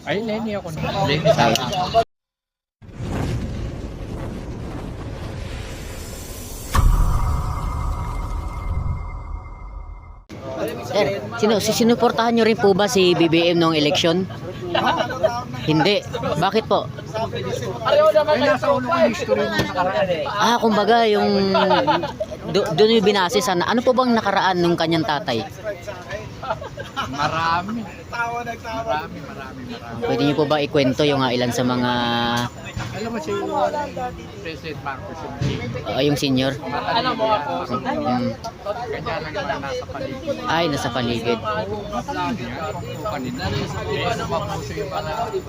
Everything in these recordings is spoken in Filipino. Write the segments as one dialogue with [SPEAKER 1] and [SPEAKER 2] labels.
[SPEAKER 1] Ay, Lenny ako. Lenny Sara.
[SPEAKER 2] Sir, sinuportahan nyo rin po ba si BBM noong eleksyon? Hindi. Bakit po?
[SPEAKER 1] Ay, nasa ulo ko yung history ng nakaraan.
[SPEAKER 2] Kumbaga yung doon yung binase sa ano po bang nakaraan nung kanyang tatay?
[SPEAKER 1] Marami.
[SPEAKER 2] Pwede niyo po ba ikwento yung ilan sa mga
[SPEAKER 1] Alam mo si President Marcos
[SPEAKER 2] yung senior?
[SPEAKER 1] alam mo ako. Kanya lang yung nasa paligid.
[SPEAKER 2] Ay, nasa paligid.
[SPEAKER 1] Kanina. Mapuso yung mga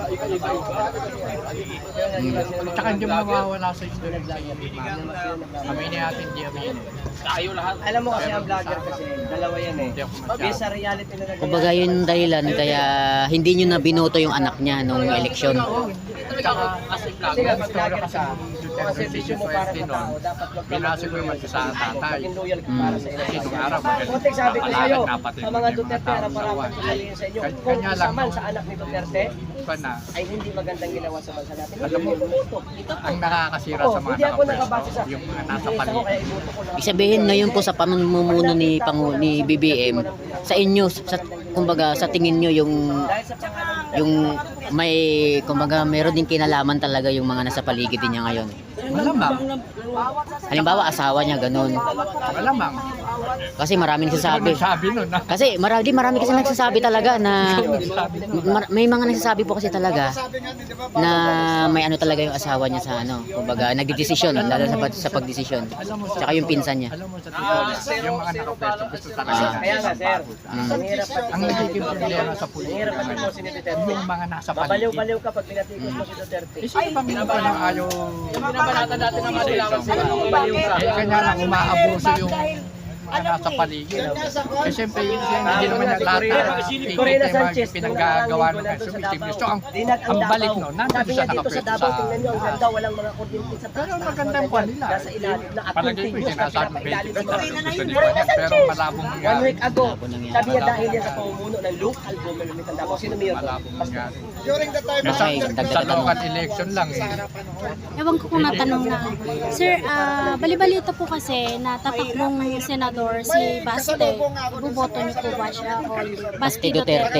[SPEAKER 1] tsaka hindi mawawala sa history sa kami ni natin hindi kami yun. Tayo lahat.
[SPEAKER 3] Alam mo kasi ang vlogger kasi, dalawa yan eh. Based sa reality na nagawa.
[SPEAKER 2] Kumbaga yun dahilan kaya hindi niyo na binoto yung anak niya nung eleksyon.
[SPEAKER 1] Tsaka kasi vlogger kasi Duterte decision mo para sa tao, dapat wag
[SPEAKER 3] pinasa
[SPEAKER 1] ko yung sa tatay.
[SPEAKER 3] loyal ka para sa
[SPEAKER 1] Kasi nung
[SPEAKER 3] ina.
[SPEAKER 1] araw,
[SPEAKER 3] Konting sabi ko sa'yo,
[SPEAKER 1] napatid
[SPEAKER 3] sa
[SPEAKER 1] mo
[SPEAKER 3] mga
[SPEAKER 1] yung
[SPEAKER 3] Duterte,
[SPEAKER 1] tao
[SPEAKER 3] harap-harapan ko sabihin sa inyo, kung
[SPEAKER 1] Kanya
[SPEAKER 3] isa
[SPEAKER 1] lang.
[SPEAKER 3] man sa anak ni Duterte,
[SPEAKER 1] Pa na,
[SPEAKER 3] ay hindi magandang ginawa sa bansa natin.
[SPEAKER 1] Alam mo, ang nakakasira sa mga
[SPEAKER 3] Hindi ako nakabase sa
[SPEAKER 1] yung mga nasa
[SPEAKER 3] business ako,
[SPEAKER 1] paligid.
[SPEAKER 3] kaya iboto ko lang.
[SPEAKER 2] Ibig sabihin ngayon po sa pamumuno ni BBM sa inyo sa kumbaga sa tingin niyo
[SPEAKER 3] Dahil sa pangalan
[SPEAKER 2] yung may kumbaga meron din kinalaman talaga yung mga nasa paligid niya ngayon.
[SPEAKER 1] Malamang.
[SPEAKER 2] Halimbawa asawa niya ganun.
[SPEAKER 1] Malamang.
[SPEAKER 2] Kasi maraming nagsasabi.
[SPEAKER 1] Sabi nun na.
[SPEAKER 2] Kasi marami kasi nagsasabi talaga na may mga nagsasabi po kasi talaga na may ano talaga yung asawa niya sa ano, kumbaga nagdedesisyon lalo sa pagdesisyon. Tsaka yung pinsan niya.
[SPEAKER 1] Alam mo sa totoo lang, yung mga nakapwesto gusto talaga.
[SPEAKER 3] kaya nga sir, ang hirap pati
[SPEAKER 1] Ang nagiging problema sa
[SPEAKER 3] ang
[SPEAKER 1] politika
[SPEAKER 3] hirap pati
[SPEAKER 1] ngayon,
[SPEAKER 3] po si Duterte.
[SPEAKER 1] yung mga nasa paligid.
[SPEAKER 3] Babaliw-baliw ka pag pinatikos mo si Duterte.
[SPEAKER 1] Eh, sino ba minaba ng ayaw?
[SPEAKER 3] Binabalata natin ng mga dilawan sila. Babaliw ka.
[SPEAKER 1] Eh, kanya lang umaabuso yung mga nasa paligid. Eh, siyempre, hindi naman yung lahat na
[SPEAKER 3] Corina
[SPEAKER 1] ikita
[SPEAKER 3] Sanchez,
[SPEAKER 1] yung pinaggagawa ng consumism. So, ang balik no, nandun
[SPEAKER 3] sabi
[SPEAKER 1] siya
[SPEAKER 3] niya dito sa
[SPEAKER 1] nakapwesto
[SPEAKER 3] Davao,
[SPEAKER 1] sa...
[SPEAKER 3] tingnan niyo ang ganda, walang mga kuryente sa taas.
[SPEAKER 1] Pero magandang kwan nila.
[SPEAKER 3] Nasa ilalim na at
[SPEAKER 1] Palagay ko yung
[SPEAKER 3] continuous na
[SPEAKER 1] sinasabi
[SPEAKER 3] pinapailalim
[SPEAKER 1] 20
[SPEAKER 3] sa mga
[SPEAKER 1] gusto ni Kwan, pero malabong
[SPEAKER 3] 1
[SPEAKER 1] nangyari.
[SPEAKER 3] week ago, sabi niya dahil yan sa pamumuno ng local government ng Davao. Sino mayor?
[SPEAKER 1] Malabong nangyari.
[SPEAKER 2] Okay,
[SPEAKER 1] Sa
[SPEAKER 2] dagdag tanong.
[SPEAKER 1] local election lang eh.
[SPEAKER 4] Ewan ko kung natanong na. Sir, balibalita po kasi na tatakbong senador si Baste. Ibuboto niyo po ba siya o hindi?
[SPEAKER 2] Baste Duterte.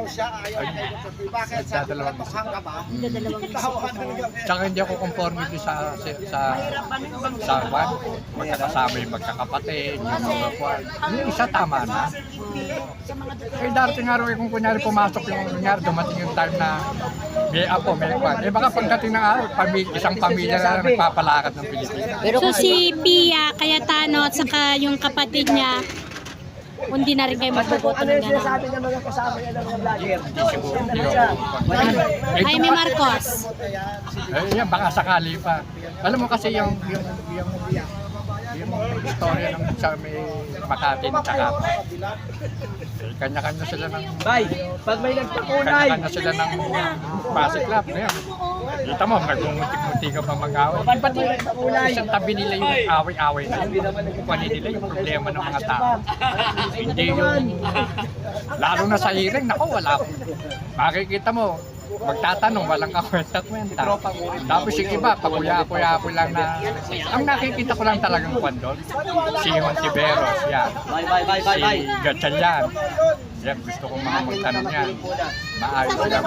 [SPEAKER 1] Dadalawang isa.
[SPEAKER 4] Dalawang isip.
[SPEAKER 1] Tsaka hindi ako conforme doon sa kwan. Magkakasama yung magkakapatid, yung mga kwan. Yung isa tama na. Eh darating araw eh kung kunyari pumasok yung kunyari dumating yung time na may apo, may kwan. Eh baka pagdating ng araw, isang pamilya na lang nagpapalakad ng Pilipinas.
[SPEAKER 2] Pero
[SPEAKER 4] So si Pia Cayetano at saka yung kapatid niya, hindi na rin kayo magboboto
[SPEAKER 3] Ano
[SPEAKER 4] ng
[SPEAKER 3] yung
[SPEAKER 4] gano'n.
[SPEAKER 3] sinasabi ng mga kasama niya ng mga vlogger?
[SPEAKER 1] Siguro, hindi
[SPEAKER 3] siya.
[SPEAKER 1] ako.
[SPEAKER 4] Jaime Marcos.
[SPEAKER 1] Eh, yan, baka sakali pa. Alam mo kasi yung istorya ng sa may Makati at saka kanya-kanya sila ng
[SPEAKER 3] Bay, pag may nagpakulay,
[SPEAKER 1] kanya-kanya sila ng Pasig Club na yan. Kita mo, nagmumuntik-muntik ka pa mag-away.
[SPEAKER 3] pati may nagpakulay.
[SPEAKER 1] Isang tabi nila yung away-away na kukuhanin nila yung problema ng mga tao. Hindi yung lalo na sa hearing, naku, wala ko. Makikita mo, magtatanong, walang kakwenta-kwenta. Tapos yung iba, pakuya-kuya lang na, ang nakikita ko lang talagang kwan doon, si Hontiveros, yan. Si Gatchalian. Yan, gusto kong mga magtanong yan. Maayos lang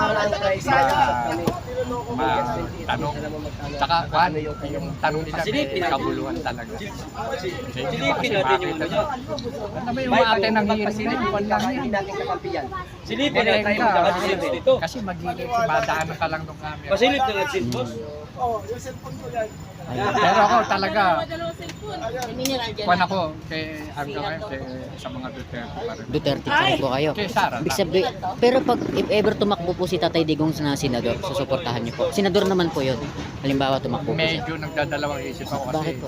[SPEAKER 1] tanong. Tsaka, kwan, yung tanong nila may kabuluhan talaga. Hindi ba kasi makita nyo? Ano ba yung ate ng hearing na kwan lang yan?
[SPEAKER 3] natin kakampiyan.
[SPEAKER 5] Silipin na tayo
[SPEAKER 1] Ka,
[SPEAKER 5] magkakasilip dito.
[SPEAKER 1] kasi magiging madaanan ka lang ng camera.
[SPEAKER 5] Pasilip na nagsilpos.
[SPEAKER 1] Pero ako talaga, kwan ako kay hanggang ngayon kay sa mga Duterte pa rin.
[SPEAKER 2] Duterte pa rin po kayo.
[SPEAKER 1] Kay Sara.
[SPEAKER 2] Ibig sabihin, pero pag if ever tumakbo po si Tatay Digong na senador, susuportahan niyo po. Senador naman po 'yon. Halimbawa tumakbo po siya.
[SPEAKER 1] Medyo nagdadalawang isip ako kasi
[SPEAKER 2] Bakit po?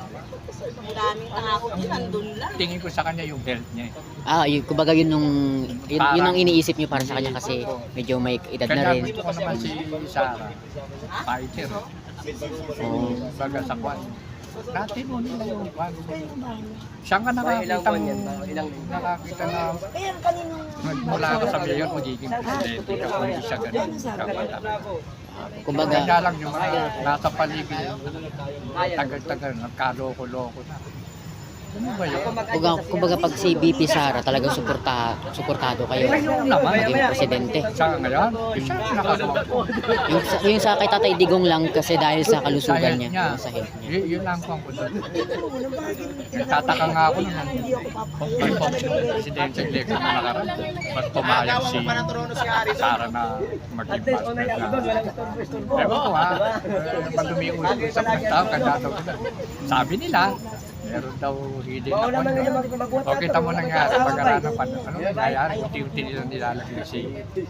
[SPEAKER 1] tingin ko sa kanya yung health niya.
[SPEAKER 2] Yun, kumbaga yun ang iniisip niyo para sa kanya kasi medyo may edad na
[SPEAKER 1] Kaya
[SPEAKER 2] rin.
[SPEAKER 1] gusto ko naman si Sara, fighter.
[SPEAKER 2] Oo.
[SPEAKER 1] Baga sa kwan. Dati mo nila yung bago. Saan ka nakakita
[SPEAKER 3] buwan
[SPEAKER 1] mo,
[SPEAKER 3] yan, ilang linggo.
[SPEAKER 1] nakakita na mula ka sa mayor, magiging presidente ka kung hindi siya ganun.
[SPEAKER 2] Kumbaga,
[SPEAKER 1] Kaya lang yung mga nasa paligid, tagal-tagal, nagkaloko-loko na. Ano ba yun?
[SPEAKER 2] kumbaga pag si BP Sara talagang suportado kayo maging presidente.
[SPEAKER 1] Sa ngayon, siya ang nakagawa ko.
[SPEAKER 2] Yung sa kay Tatay Digong lang kasi dahil sa kalusugan niya, sa health niya.
[SPEAKER 1] Yun lang po ang kundo. Nagtataka nga ako nung presidential election na nakaraan. Ba't pumayag si Sara na maging pastor na. Ewan ko ha, pag lumiulit sa mga tao, kanda daw sila. Sabi nila, meron daw hidden na pondo. O kita mo nangyari pag-aralan pa. Ano nangyayari? Unti-unti nila nilalagay si...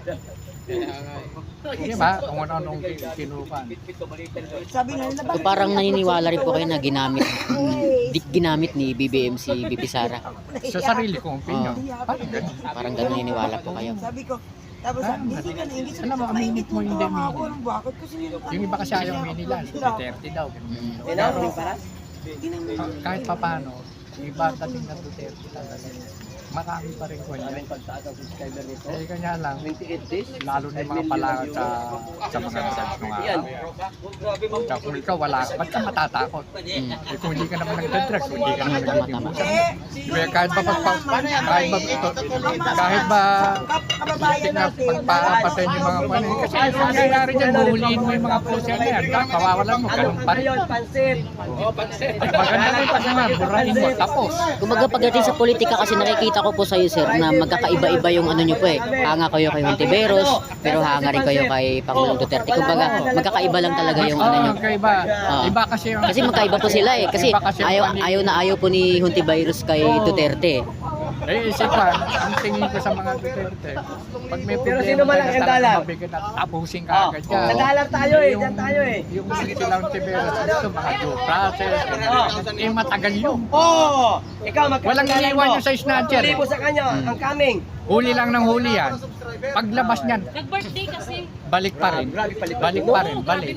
[SPEAKER 1] Di ba? Kung ano-anong kinupan.
[SPEAKER 2] So parang naniniwala rin po kayo na ginamit ni BBM si BP Sara.
[SPEAKER 1] Sa sarili kong opinion. Parang ganun.
[SPEAKER 2] Parang ganun naniniwala po kayo.
[SPEAKER 1] Alam mo, aminit mo hindi minit. Yung iba kasi ayaw minilan. 30 daw.
[SPEAKER 3] Tinawag para?
[SPEAKER 1] Kahit pa paano, yung iba dating na 30 talaga. Marami pa rin ko yan. Eh, kanya lang,
[SPEAKER 3] 28 days?
[SPEAKER 1] lalo na yung mga palakad sa mga drugs nung araw. Kaya kung ikaw wala, ba't ka matatakot? Eh, kung hindi ka naman nagdadrugs, kung hindi ka naman nagdadrugs. Kaya kahit ba politik na pagpapatay yung mga panin. Kasi yung nangyayari dyan, buhuliin mo yung mga puser na yan. Kawawalan mo, ganun pa rin.
[SPEAKER 3] Pansit.
[SPEAKER 1] Maganda rin pag naman, burahin mo, tapos.
[SPEAKER 2] Kumbaga pagdating sa politika kasi nakikita ko po sa iyo sir na magkakaiba-iba yung ano nyo po eh. Hanga kayo kay Hontiveros, pero hanga rin kayo kay Pangulong Duterte. Kumbaga magkakaiba lang talaga yung ano nyo.
[SPEAKER 1] Magkaiba. Iba kasi yung...
[SPEAKER 2] Kasi magkaiba po sila eh. Kasi ayaw po ni Hontiveros kay Duterte.
[SPEAKER 1] Eh, isipan, ang tingin ko sa mga Duterte, pag may
[SPEAKER 3] Pero
[SPEAKER 1] problema
[SPEAKER 3] sino man ang
[SPEAKER 1] talagang
[SPEAKER 3] dalar?
[SPEAKER 1] mabigat at tapusin ka agad yan.
[SPEAKER 3] Nadalar tayo eh, dyan tayo eh.
[SPEAKER 1] Yung silang Tiberos, ito mga due process, eh matagal yun.
[SPEAKER 3] Oo! Ikaw,
[SPEAKER 1] Walang iniwan yung sa snatcher.
[SPEAKER 3] Libo sa kanya, ang coming.
[SPEAKER 1] Huli lang ng huli yan. Paglabas niyan,
[SPEAKER 4] Nag-birthday kasi.
[SPEAKER 1] balik pa rin. Balik pa rin, balik.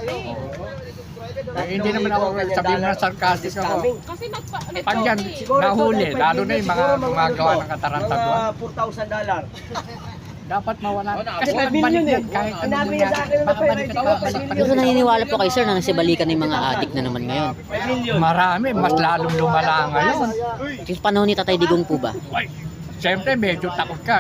[SPEAKER 1] Eh, hindi naman ako sabihin na sarcastic ako.
[SPEAKER 4] Kasi
[SPEAKER 1] Pag yan, nahuli, lalo na yung mga gumagawa ng katarantaduan,
[SPEAKER 3] $4,000.
[SPEAKER 1] dapat mawala. Kasi
[SPEAKER 3] Kasi
[SPEAKER 1] nagbalik
[SPEAKER 3] million
[SPEAKER 1] yan
[SPEAKER 3] eh.
[SPEAKER 1] kahit ano
[SPEAKER 3] Sinabi niya sa akin na
[SPEAKER 1] babalik
[SPEAKER 3] pwede,
[SPEAKER 1] at babalik pa
[SPEAKER 2] Pero
[SPEAKER 1] rin.
[SPEAKER 2] naniniwala po kayo sir na nasibalikan ng mga adik na naman ngayon.
[SPEAKER 1] Marami, mas lalong lumala ngayon.
[SPEAKER 2] Yung panahon ni Tatay Digong po ba?
[SPEAKER 1] Ay, siyempre medyo takot ka.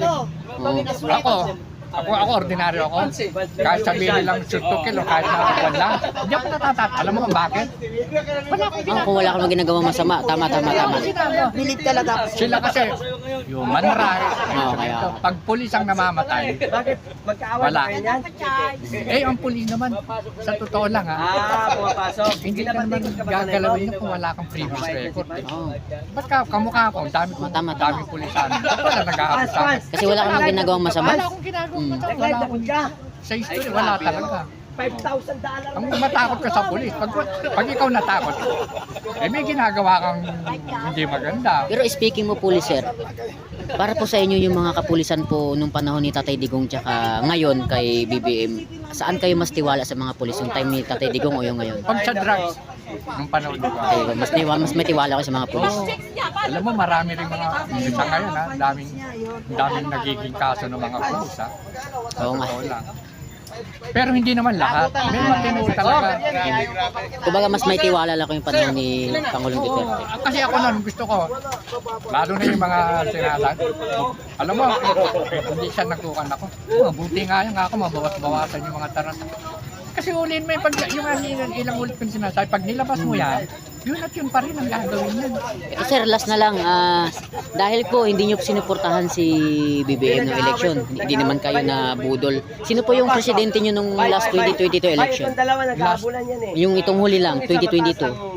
[SPEAKER 1] Ako ordinaryo ako. Kahit sabihin nilang surtukil o kahit nakakuan lang. Hindi ako natatat. Alam mo kung bakit? Wala akong
[SPEAKER 2] Kung wala kang ginagawang masama, tama.
[SPEAKER 1] Bilid ka lang. Sila kasi human rights.
[SPEAKER 2] kaya.
[SPEAKER 1] Pag pulis ang namamatay,
[SPEAKER 3] Bakit? Magkaaway
[SPEAKER 1] Wala.
[SPEAKER 3] kayo yan?
[SPEAKER 1] eh ang pulis naman, sa totoo lang ha,
[SPEAKER 3] Pumapasok.
[SPEAKER 1] hindi ka naman gagalawin na kung wala kang previous record.
[SPEAKER 2] Oo.
[SPEAKER 1] Ba't ka, kamukha ko, ang dami
[SPEAKER 2] Tama.
[SPEAKER 1] pulisan. Ba't wala nag-aabot sa akin?
[SPEAKER 2] Kasi wala kang ginagawang masama.
[SPEAKER 1] Wala akong ginagawa. Wala akong sa history, wala talaga.
[SPEAKER 3] $5,000.
[SPEAKER 1] Ang matakot ka sa pulis, pag ikaw natakot, eh may ginagawa kang hindi maganda.
[SPEAKER 2] Pero speaking mo pulis sir, para po sa inyo yung mga kapulisan po nung panahon ni Tatay Digong tsaka ngayon kay BBM, saan kayo mas tiwala sa mga pulis? Yung time ni Tatay Digong o yung ngayon?
[SPEAKER 1] Pag sa drugs, nung panahon ko,
[SPEAKER 2] Okay, mas may tiwala ko sa mga pulis.
[SPEAKER 1] alam mo marami rin mga, sa ngayon ha, daming nagiging kaso ng mga pulis ha.
[SPEAKER 2] Oo nga.
[SPEAKER 1] Totoo lang. Pero hindi naman lahat. May mga tinuod talaga.
[SPEAKER 2] Kumbaga mas may tiwala lang ko yung panahon ni Pangulong Duterte.
[SPEAKER 1] Kasi ako nun, gusto ko, lalo na yung mga sinasabi. Alam mo, hindi siya nagkukan ako. Buti nga yan ako, mabawas-bawasan yung mga taranta. Kasi ulihin mo yung ilang ulit kong sinasabi. Pag nilabas mo yan, yun at yun pa rin ang gagawin yan.
[SPEAKER 2] Ito sir, last na lang, dahil po hindi nyo sinuportahan si BBM ng election, hindi naman kayo na budol. Sino po yung presidente nyo nung last 2022 election?
[SPEAKER 3] Kahit dalawa nagkabulan yan eh.
[SPEAKER 2] Yung itong huli lang, 2022.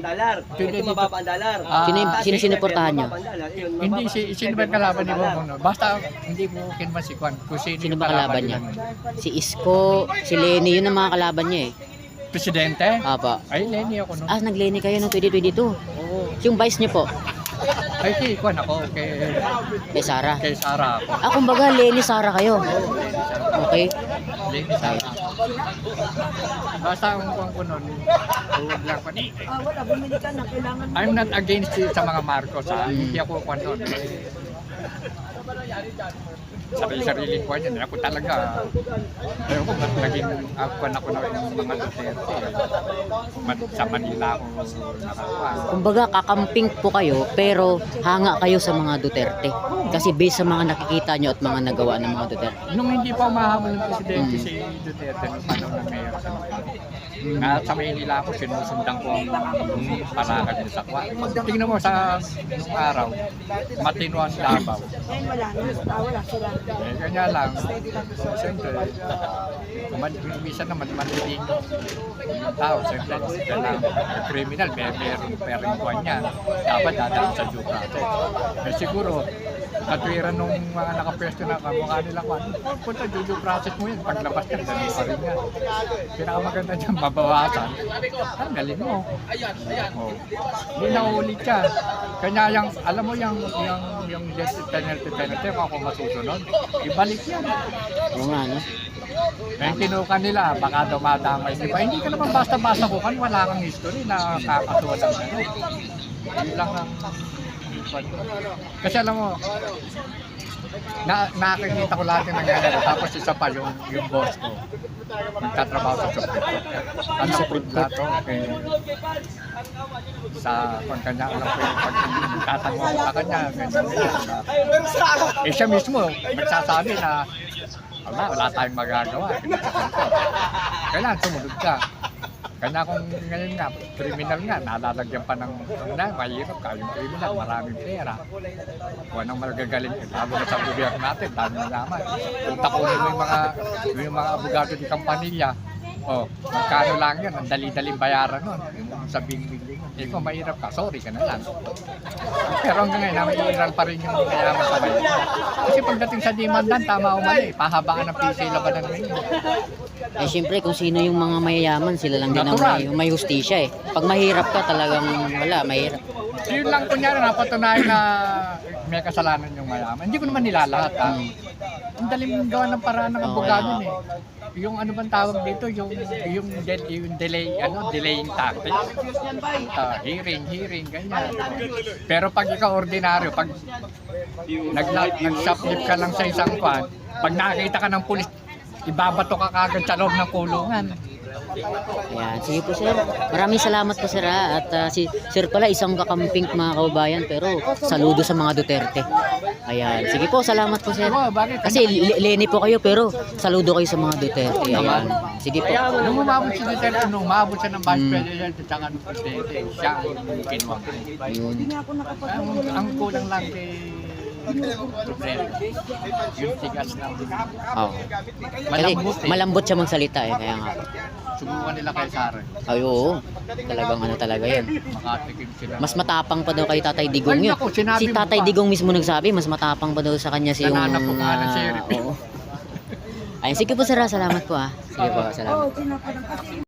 [SPEAKER 3] Ito mababa ang dalar.
[SPEAKER 2] Sino sinuportahan nyo?
[SPEAKER 1] Hindi, sino ba yung kalaban ni Bongbong? No? Basta hindi mo kinman si Kwan. Kung sino
[SPEAKER 2] Sino
[SPEAKER 1] yung
[SPEAKER 2] ba kalaban niya?
[SPEAKER 1] yun.
[SPEAKER 2] Si Isko, si Lenny, yun ang mga kalaban niya eh.
[SPEAKER 1] Presidente?
[SPEAKER 2] Apa.
[SPEAKER 1] Ay, Lenny ako nun.
[SPEAKER 2] Nag-Lenny kayo noong 2022.
[SPEAKER 1] Oo.
[SPEAKER 2] Yung vice niyo po,
[SPEAKER 1] Ay, kay Kwan ako.
[SPEAKER 2] kay Sara.
[SPEAKER 1] Kay Sara ako.
[SPEAKER 2] Kumbaga Lenny Sara kayo. Okay.
[SPEAKER 1] Linis ako. Basta ang kung ko nun, huwag lang pa. I'm not against it sa mga Marcos, ha? Hindi ako kung nun. Sarili ko niya, ako talaga. Pero kung naging ako na ng mga Duterte, sa Manila ako nakakuha.
[SPEAKER 2] Kumbaga kakamping po kayo pero hanga kayo sa mga Duterte. Kasi based sa mga nakikita nyo at mga nagawa ng mga Duterte.
[SPEAKER 1] Nung hindi pa umahabol ng presidente si Duterte, nung panahon ng mayor sa na sa Maynila ako, sinusundan ko ang palakad niya sa kwa. Tingnan mo sa nung araw, matino ang Davao. Eh, kanya lang, siyempre, minsan naman maniling yung tao. Siyempre, kailangan criminal, meron pering kuwan niya. Dapat dadaan sa due process. Eh, siguro, katwiran nung mga nakapwesto na kamukha nila kwan, punta due process mo yun, paglabas ka, ganun pa rin yan. Pinakamaganda dyan, mabawasan. Ang galing mo. Oh. Hindi na ulit yan. Kanya yung, alam mo yung death penalty, kung ako masusunod, ibalik yan.
[SPEAKER 2] Oo nga, no?
[SPEAKER 1] Kaya kinuha nila, baka dumadamay. Diba? Hindi ka naman basta-basta kukan, wala kang history na kakasuhan ng ano. Yun lang ang kasi alam mo, nakikita ko lahat yung nangyayari. Tapos isa pa yung boss ko. Nagtatrabaho sa Supreme Court. Ang Supreme Court sa kanya, alam ko yung pagtatango ko sa kanya. Eh siya mismo, nagsasabi na wala tayong magagawa. Kailangan sumunod ka. Kanya kung ngayon nga, criminal nga, nalalagyan pa ng mahirap ka, yung criminal, maraming pera. Kung anong magagaling, lalo na sa gobyerno natin, dami na naman. Kung takunin mo yung mga abogado di Campanilla, magkano lang yan, ang dali-daling bayaran nun. Yung sabing bigling, eh kung mahirap ka, sorry ka na lang. Pero hanggang ngayon, namiiral pa rin yung mayaman sa bayan. Kasi pagdating sa demandan, tama o mali, pahabaan ng PCA labanan ngayon.
[SPEAKER 2] Eh syempre kung sino yung mga mayayaman, sila lang din ang may hustisya eh. Pag mahirap ka talagang wala, mahirap.
[SPEAKER 1] Yun lang kunyari napatunayan na may kasalanan yung mayaman. Hindi ko naman nilalahat ha. Ang daling gawa ng paraan ng abogado eh. Yung ano bang tawag dito, yung delaying tactics. Hearing, ganyan. Pero pag ikaw ordinaryo, pag nag-submit ka lang sa isang kwan, pag nakakita ka ng pulis, ibabato ka kagad sa loob ng kulungan.
[SPEAKER 2] Ayan, sige po sir. Maraming salamat po sir ha. At si sir pala isang kakamping mga kaubayan pero saludo sa mga Duterte. Ayan, sige po, salamat po sir.
[SPEAKER 1] Bakit?
[SPEAKER 2] Kasi Leni po kayo pero saludo kayo sa mga Duterte. Ayan. Sige po.
[SPEAKER 1] Nung umabot si Duterte, nung umabot siya ng Vice President at saka ng Presidente, siya ang kinuha.
[SPEAKER 2] Yun.
[SPEAKER 1] Ang kulang lang kay Duterte, yung tigas ng
[SPEAKER 2] Oh.
[SPEAKER 1] malambot eh.
[SPEAKER 2] Malambot siya magsalita eh, kaya nga.
[SPEAKER 1] Subukan nila kay Sara.
[SPEAKER 2] Ay oo. Talagang ano talaga yan.
[SPEAKER 1] Makatikim sila.
[SPEAKER 2] Mas matapang pa daw kay Tatay Digong
[SPEAKER 1] Ay,
[SPEAKER 2] yun.
[SPEAKER 1] naku, sinabi
[SPEAKER 2] Si
[SPEAKER 1] mo
[SPEAKER 2] Tatay
[SPEAKER 1] pa.
[SPEAKER 2] Digong mismo nagsabi, mas matapang pa daw sa kanya si yung...
[SPEAKER 1] Nananap ko nga ng sheriff.
[SPEAKER 2] oo. Ayun, sige po sir, salamat po ah. Sige po, salamat.